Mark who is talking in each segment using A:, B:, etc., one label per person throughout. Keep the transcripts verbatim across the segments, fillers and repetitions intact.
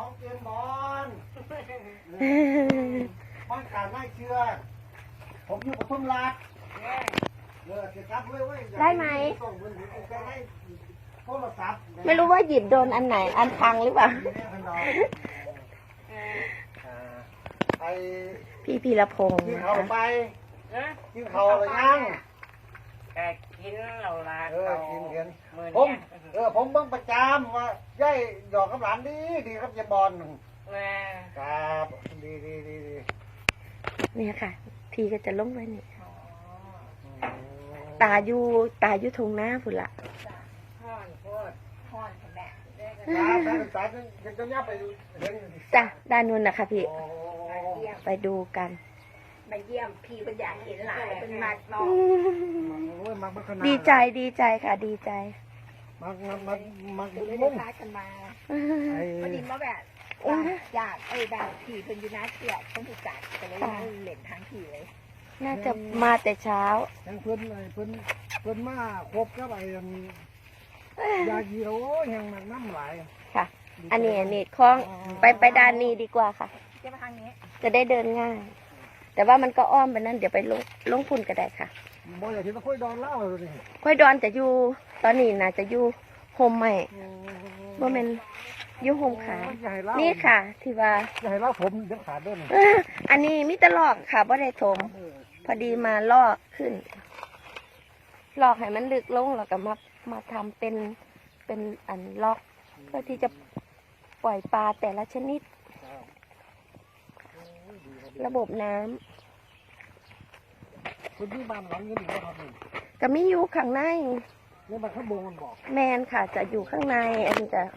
A: ของเจมบอลบ้านการไม่เชื่อผมอยู่ปทุมราชเออจะรับเลยเว้ย
B: ได้ไหม
A: ส่งเงินถึงจะได้โทรศัพท์
B: ไม่รู้ว่าหยิบโดนอันไหน อันพังหรือเปล่า
A: ไอ
B: พี่พีรพงศ์
A: กิน
B: นะ
A: เขา
B: คะ
A: ไปกินเขาอะไรยัง
C: แต่กินเราละ
A: เออ
C: เขา
A: กินเห็น
C: มือ
A: ผม
C: เนี่ย
A: เออผมเบิ่งประจำว่าย่ายหยอกกับหลานดีดีครับเจมบอล
C: แม่
A: ครับดีดีดีดี
B: เนี่ยค่ะ พี่ก็จะลงไว้นี่ ตาอยู่ตาอยู่ทงหน้าพุ่นละ
C: ห่อนโคตรห่อนแหละ
A: ตาตาตาจะจะย่าไปเห็น
B: จ้ะด้านนู้นนะคะพี่
A: โอ้
B: ไปดูกัน
C: มาเยี่ยมพี่เป็นอยากเห็นหลายเป็นมากนอก
A: โอ้ยมักมักขนาด
B: ดีใจดีใจค่ะ ดีใจ
A: มักมักมักมัก
C: ไม่
A: มุ้
C: ได้
A: ง
C: พากันมา
A: ไอ้
C: พอดีมาแบบอยากไอ้แบบผีเป็นยูนาเกียรต้องถูกจัดก็เลยเล่นทางผีเลย
B: น่าจะมาแต่เช้า
A: ยังเพิ่นไอ้เพิ่นเพิ่นมาครบกับไอ้ยาจีโร่ยังมันน้ำไหล
B: ค่ะ อันนี้อันนี้คล้องไปไปด้านนี้ดีกว่าค่ะ
C: จะมาทางนี้
B: จะได้เดินง่าย แต่ว่ามันก็อ้อมไปนั่นเดี๋ยวไปลงลงพุ่นก็ได้ค่ะ
A: บ่อยากที่ตะคุยดอนเล่าเลยนี่
B: ค่อยดอนจะอยู่ตอนนี้น่าจะอยู่โฮมใหม่บ่แม่นอยู่โฮมขาย
A: อย่าให้เล่า
B: นี่ค่ะ ที่ว่า
A: อย่าให้เล่าผมเดี๋ยวขาดด้วย
B: อันนี้มิตรลอกค่ะบ่ได้ถม พอดีมาลอกขึ้น ลอกให้มันลึกลงแล้วก็มามาทำเป็นเป็นอันลอกเพื่อที่จะปล่อยปลาแต่ละชนิด ระบบน้ำ
A: คุณที่บ้านหลังนี้ดีนะครับนี่
B: ก็มีอยู่ข้างใน
A: เนี่ยมันข้างบนมันบอก
B: แมนค่ะ จะอยู่ข้างใน อันนี้จะ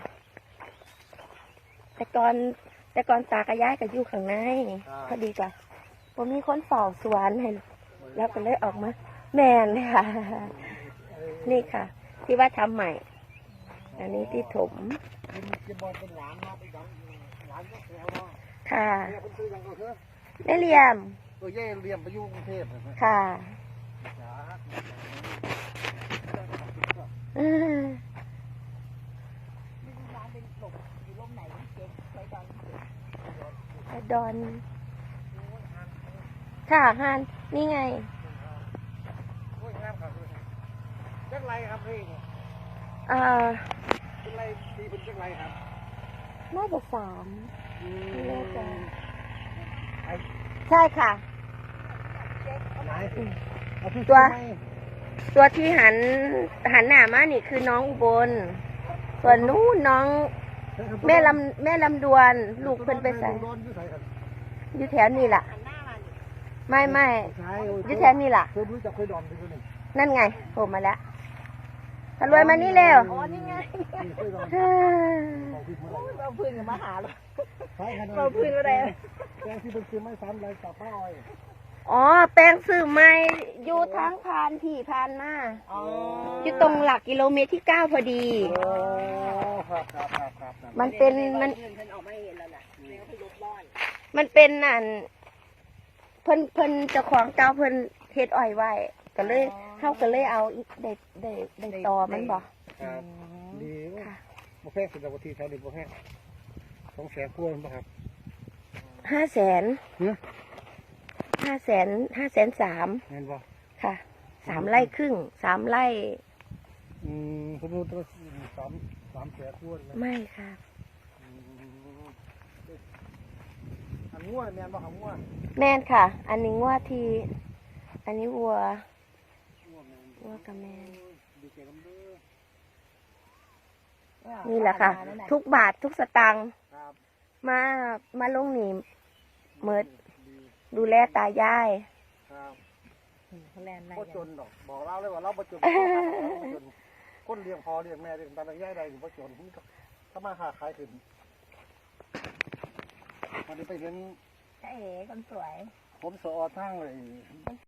B: แต่ก่อนแต่ก่อนตากระย้ายก็อยู่ข้างในพอดีกว่าผมมีคนเฝ้าสวนให้แล้วก็เลยออกมา แมนค่ะ นี่ค่ะ ที่ว่าทำใหม่ อันนี้ที่ถม
A: คุณจะบอกเป็นหลานมาไปดังหลานก็แถวเนาะ
B: ค่ะ
A: เนี่ยคุณซื้อยังก็คือ
B: ได้เรียม
A: ตัวเย่เรียมไปอยู่กรุงเทพนะ
B: ค่ะ
A: จ้า
B: อืม
C: ร้านเป็นหลบอยู่ร่มไหนเจ๊ไว้ตอน
B: ไปดอน ค่ะฮานนี่ไง
A: โอ้ยงามครับจักไรครับพี่
B: อ่า
A: จักไรตีเป็นจักไรครับ
B: น่าจะสาม
A: อื
B: ไม่แน่ใจ
A: ไอ้
B: ใช่ค่ะ
A: ไหนเอาที่
B: ตัว
A: ไหน
B: ตัวที่หันหันหน้ามานี่คือน้องอุบล ส่วนนู้นน้องแม่ลำแม่ลำดวน ลูกเพิ่นไปใส่
A: โดนอยู่ใส่ครับ
B: อยู่แถวนี่ล่ะ
C: หันหน้ามาดิ
B: ไม่ไม่
A: ใช่
B: อยู่แถวนี่ล่ะ
A: เคยรู้จักเคยดอนไปคนหนึ่ง
B: นั่นไงโผล่มาแล้วทะรวยมานี่เร็ว
C: อ๋อนี่ไง
A: เคยดอน
B: ฮ่า
A: บอกผิดเมื่อไหร่
C: เราพื้นกับมาหาเรา
A: ใช่ครับ
C: เราพื้นอะไร
A: แกงที่เป็นซื้อไม่ซ้ำเลยกับป้าอ้อย
B: อ๋อ แป้งสื่อไม่อยู่ทางพานที่พานมา
C: อ๋อ
B: อยู่ตรงหลักกิโลเมตรที่เก้าพอดี
A: โอ้ครับครับครับครับครับ
B: มันเป็นมัน
C: เงินเพิ่นออกมาเห็นแล้วน่ะแล้วพี่ลบบ้าน
B: มันเป็นนั่นเพิ่นเพิ่นเจ้าของเก่าเพิ่นเฮ็ดอ้อยไว้ ก็เลยเขาก็เลยเอาอีกได้ได้ได้ตอมันบ่
A: ครับดี
B: ค่ะ
A: โมแพงสุดแล้วที่แถวนี้โมแพงสองแสนกว่าป่ะครับ
B: ห้าแสน
A: เนื้อ
B: ห้าแสนห้าแสนสาม
A: เงินป่ะ
B: ค่ะสามไร่ครึ่งสามไร่
A: อืมสมมติว่าสามสามแสนกว่าเลย
B: ไม่ค่ะ
A: อืมอันงัวแมนป่ะครับงัว
B: แม่นค่ะ อันนี้งัวที่ อันนี้วัว
A: งัวแมน
B: วัวกับแม่น
A: ดีเจกันเด้อ
B: นี่แหละค่ะ ทุกบาททุกสตางค์
A: ครับ
B: มามาลงหนีเมิด
A: ดี
B: ดูแลตายาย
A: ครับ
C: แลนด์ไหน
A: ก็จนดอกบอกเราเลยว่าเราบ่จนจนคนเลี้ยงพอเลี้ยงแม่เลี้ยงตาย่ายใดอยู่บ่จนถ้ามาค้าขายขึ้นวันนี้ไปเรียน
C: ใช่เอ๋คนสวย
A: ผมสอทางเลย